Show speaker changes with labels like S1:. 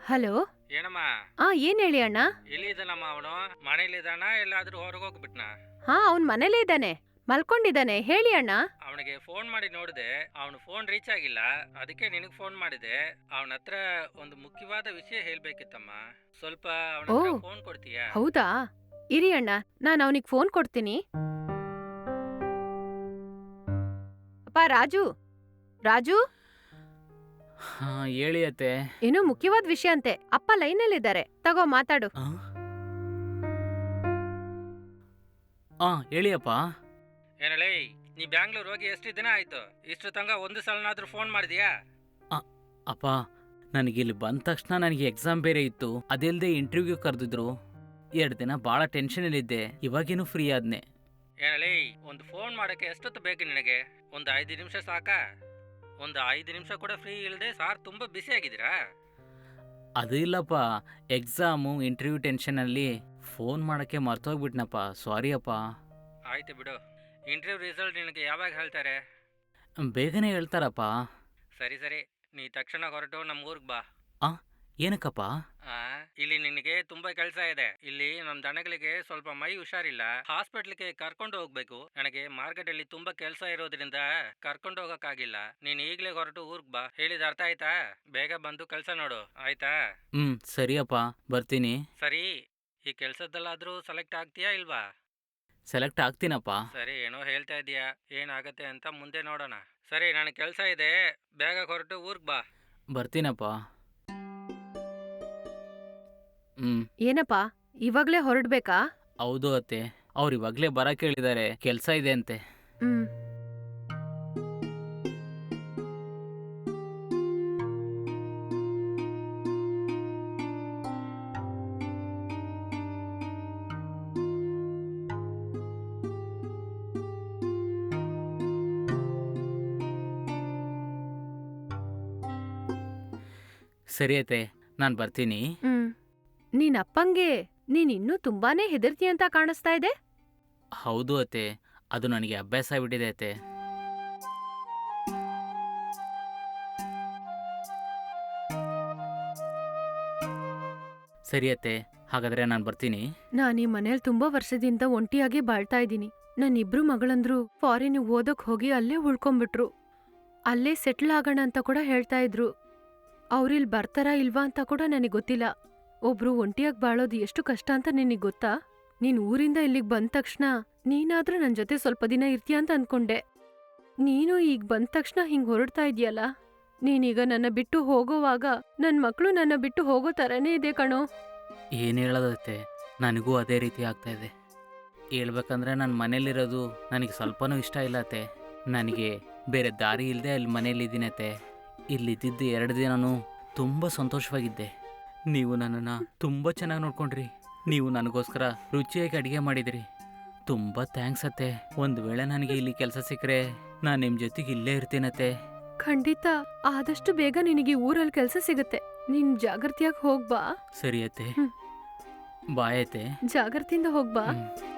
S1: Hello.
S2: ಏನಮ್ಮ
S1: ಏನ್ ಹೇಳಿ ಅಣ್ಣ.
S2: ಎಲ್ಲಿದ್ದಾನಮ್ಮ ಅವನು? ಮನೇಲಿದ್ದಾನ ಎಲ್ಲಾದ್ರೂ ಹೊರಗೆ ಹೋಗ್ಬಿಟ್ನಾ?
S1: ಅವ್ನ್ ಮನೇಲೇ ಇದ್ದಾನೆ, ಮಲ್ಕೊಂಡಿದ್ದಾನೆ. ಹೇಳಿ ಅಣ್ಣ.
S2: ಅವನಿಗೆ ಫೋನ್ ಮಾಡಿ ನೋಡಿದೆ, ಅವನು ಫೋನ್ ರೀಚ್ ಆಗಿಲ್ಲ. ಅದಕ್ಕೆ ನಿನಗೆ ಫೋನ್ ಮಾಡಿದೆ. ಅವನ ಹತ್ರ ಒಂದು ಮುಖ್ಯವಾದ ವಿಷಯ ಹೇಳ್ಬೇಕಿತ್ತಮ್ಮ. ಸ್ವಲ್ಪ ಅವನ
S1: ಓ
S2: ಹತ್ರ ಫೋನ್ ಕೊಡ್ತೀಯಾ?
S1: ಹೌದಾ, ಇರಿ ಅಣ್ಣ, ನಾನು ಅವನಿಗೆ ಫೋನ್ ಕೊಡ್ತೀನಿ. ಅಪ್ಪ ರಾಜು, ರಾಜು.
S3: ಹೇಳಿ ಅತ್ತೆ.
S1: ಏನೋ ಮುಖ್ಯವಾದ ವಿಷಯ ಅಂತೆ. ಅಪ್ಪ ಲೈನಲ್ಲಿದ್ದಾರೆ, ತಗೋ ಮಾತಾಡು.
S3: ಹೇಳಿ ಅಪ್ಪ.
S2: ಏನಲೇ, ನೀ ಬ್ಯಾಂಗ್ಳೂರ್ ಹೋಗಿ ಎಷ್ಟು ದಿನ ಆಯ್ತು? ಇಷ್ಟು ತನಕ ಒಂದು ಸಲನಾದ್ರೂ ಫೋನ್ ಮಾಡಿದ್ಯಾ?
S3: ಅಪ್ಪ, ನನಗಿಲ್ಲಿ ಬಂದ ತಕ್ಷಣ ನನಗೆ ಎಕ್ಸಾಮ್ ಬೇರೆ ಇತ್ತು. ಅದೆಲ್ಲದೆ ಇಂಟರ್ವ್ಯೂ ಕರೆದಿದ್ರು. 2 ದಿನ ಭಾಳ ಟೆನ್ಷನಲ್ಲಿದ್ದೆ. ಇವಾಗೇನು ಫ್ರೀ ಆದ್ನೆ.
S2: ಏನಲೇ, ಒಂದು ಫೋನ್ ಮಾಡೋಕ್ಕೆ ಎಷ್ಟೊತ್ತು ಬೇಕು ನಿನಗೆ? ಒಂದು 5 ನಿಮಿಷ ಸಾಕಾ? ಒಂದು 5 ನಿಮಿಷ ಕೂಡ ಫ್ರೀ ಇಲ್ಲದೆ ಸಾರ್ ತುಂಬ ಬ್ಯುಸಿ ಆಗಿದ್ದೀರಾ?
S3: ಅದು ಇಲ್ಲಪ್ಪ, ಎಕ್ಸಾಮು ಇಂಟರ್ವ್ಯೂ ಟೆನ್ಷನಲ್ಲಿ ಫೋನ್ ಮಾಡೋಕ್ಕೆ ಮರ್ತೋಗ್ಬಿಟ್ನಪ್ಪ. ಸಾರಿ ಅಪ್ಪ.
S2: ಆಯ್ತು ಬಿಡು. ಇಂಟರ್ವ್ಯೂ ರಿಸಲ್ಟ್ ನಿನಗೆ ಯಾವಾಗ ಹೇಳ್ತಾರೆ?
S3: ಬೇಗನೆ ಹೇಳ್ತಾರಪ್ಪ.
S2: ಸರಿ ಸರಿ, ನೀ ತಕ್ಷಣ ಹೊರಟು ನಮ್ಮ ಊರಿಗೆ ಬಾ.
S3: ಏನಕ್ಕಪ್ಪ?
S2: ಇಲ್ಲಿ ನಿನಗೆ ತುಂಬಾ ಕೆಲಸ ಇದೆ. ಇಲ್ಲಿ ನಮ್ಮ ದನಗಳಿಗೆ ಸ್ವಲ್ಪ ಮೈ ಹುಷಾರಿಲ್ಲ, ಹಾಸ್ಪಿಟ್ಲಿಗೆ ಕರ್ಕೊಂಡು ಹೋಗ್ಬೇಕು. ನನಗೆ ಮಾರ್ಕೆಟ್ ಅಲ್ಲಿ ತುಂಬಾ ಕೆಲಸ ಇರೋದ್ರಿಂದ ಕರ್ಕೊಂಡು ಹೋಗಕ್ಕಾಗಿಲ್ಲ. ನೀನ್ ಈಗ್ಲೇ ಹೊರಟು ಊರ್ಗ್ ಬಾ. ಹೇಳಿದ ಅರ್ಥ ಆಯ್ತಾ? ಬೇಗ ಬಂದು ಕೆಲಸ ನೋಡು, ಆಯ್ತಾ?
S3: ಸರಿಯಪ್ಪ, ಬರ್ತೀನಿ.
S2: ಸರಿ, ಈ ಕೆಲ್ಸದಲ್ಲಾದ್ರೂ ಸೆಲೆಕ್ಟ್ ಆಗ್ತೀಯಾ ಇಲ್ವಾ?
S3: ಸೆಲೆಕ್ಟ್ ಆಗ್ತೀನಪ್ಪ.
S2: ಸರಿ, ಏನೋ ಹೇಳ್ತಾ ಇದೀಯಾ, ಏನಾಗತ್ತೆ ಅಂತ ಮುಂದೆ ನೋಡೋಣ. ಸರಿ, ನನಗೆ ಕೆಲಸ ಇದೆ, ಬೇಗ ಹೊರಟು ಊರ್ಗ್ ಬಾ.
S3: ಬರ್ತೀನಪ್ಪ.
S1: ಏನಪ್ಪ, ಇವಾಗ್ಲೇ ಹೊರಡ್ಬೇಕಾ?
S3: ಹೌದು ಅತ್ತೆ, ಅವ್ರು ಇವಾಗಲೇ ಬರಕ್ಕೆ ಹೇಳಿದ್ದಾರೆ, ಕೆಲಸ ಇದೆ ಅಂತೆ. ಸರಿ ಅತ್ತೆ, ನಾನು ಬರ್ತೀನಿ.
S1: ನೀನ್ ಅಪ್ಪಂಗೆ ನೀನ್ ಇನ್ನೂ ತುಂಬಾನೇ ಹೆದರ್ತಿ ಅಂತ ಕಾಣಿಸ್ತಾ ಇದೆ.
S3: ಹೌದು ಅತ್ತೆ, ಅದು ನನಗೆ ಅಭ್ಯಾಸ ಆಗ್ಬಿಟ್ಟಿದೆ ಅತ್ತೆ. ಸರಿ ಅತ್ತೆ, ಹಾಗಾದ್ರೆ ನಾನು ಬರ್ತೀನಿ.
S1: ನಾನ್ ಈ ಮನೇಲಿ ತುಂಬಾ ವರ್ಷದಿಂದ ಒಂಟಿಯಾಗಿ ಬಾಳ್ತಾ ಇದ್ದೀನಿ. ನನ್ನ 2 ಮಗಳಂದ್ರು ಫಾರಿನ್ ಓದಕ್ ಹೋಗಿ ಅಲ್ಲೇ ಉಳ್ಕೊಂಡ್ಬಿಟ್ರು. ಅಲ್ಲೇ ಸೆಟ್ಲ್ ಆಗೋಣ ಅಂತ ಕೂಡ ಹೇಳ್ತಾ ಇದ್ರು. ಅವ್ರಿಲ್ ಬರ್ತಾರಾ ಇಲ್ವಾ ಅಂತ ಕೂಡ ನನಗ್ ಗೊತ್ತಿಲ್ಲ. ಒಬ್ರು ಒಂಟಿಯಾಗಿ ಬಾಳೋದು ಎಷ್ಟು ಕಷ್ಟ ಅಂತ ನಿನಗ್ ಗೊತ್ತಾ? ನೀನ್ ಊರಿಂದ ಇಲ್ಲಿಗ್ ಬಂದ ತಕ್ಷಣ ನೀನಾದ್ರೂ ನನ್ ಜೊತೆ ಸ್ವಲ್ಪ ದಿನ ಇರ್ತೀಯ ಅಂತ ಅನ್ಕೊಂಡೆ. ನೀನು ಈಗ ಬಂದ ತಕ್ಷಣ ಹಿಂಗ್ ಹೊರಡ್ತಾ ಇದೀಯಲ್ಲ. ನೀನೀಗ ನನ್ನ ಬಿಟ್ಟು ಹೋಗೋವಾಗ ನನ್ ಮಕ್ಳು ನನ್ನ ಬಿಟ್ಟು ಹೋಗೋ ತರನೇ ಇದೆ ಕಣೋ.
S3: ಏನು ಹೇಳೋದತ್ತೆ, ನನಗೂ ಅದೇ ರೀತಿ ಆಗ್ತಾ ಇದೆ. ಹೇಳ್ಬೇಕಂದ್ರೆ ನನ್ನ ಮನೇಲಿರೋದು ನನಗೆ ಸ್ವಲ್ಪನೂ ಇಷ್ಟ ಇಲ್ಲ ಅತ್ತೆ. ನನಗೆ ಬೇರೆ ದಾರಿ ಇಲ್ಲದೆ ಅಲ್ಲಿ ಮನೇಲಿದ್ದೀನತ್ತೆ. ಇಲ್ಲಿದ್ದಿದ್ದು 2 ದಿನನೂ ತುಂಬ ಸಂತೋಷವಾಗಿದ್ದೆ. ನೀವು ನನ್ನನ್ನು ತುಂಬ ಚೆನ್ನಾಗಿ ನೋಡ್ಕೊಂಡ್ರಿ. ನೀವು ನನಗೋಸ್ಕರ ರುಚಿಯಾಗಿ ಅಡುಗೆ ಮಾಡಿದಿರಿ. ತುಂಬ ಥ್ಯಾಂಕ್ಸ್ ಅತ್ತೆ. ಒಂದು ವೇಳೆ ನನಗೆ ಇಲ್ಲಿ ಕೆಲಸ ಸಿಕ್ಕರೆ ನಾನು ನಿಮ್ಮ ಜೊತೆಗೆ ಇಲ್ಲೇ ಇರ್ತೀನತ್ತೆ.
S1: ಖಂಡಿತ, ಆದಷ್ಟು ಬೇಗ ನಿನಗೆ ಊರಲ್ಲಿ ಕೆಲಸ ಸಿಗುತ್ತೆ. ನೀನ್ ಜಾಗೃತಿಯಾಗಿ ಹೋಗ್ಬಾ.
S3: ಸರಿ ಅತ್ತೆ, ಬಾಯ್ ಅತ್ತೆ.
S1: ಜಾಗೃತಿಯಿಂದ ಹೋಗ್ಬಾ.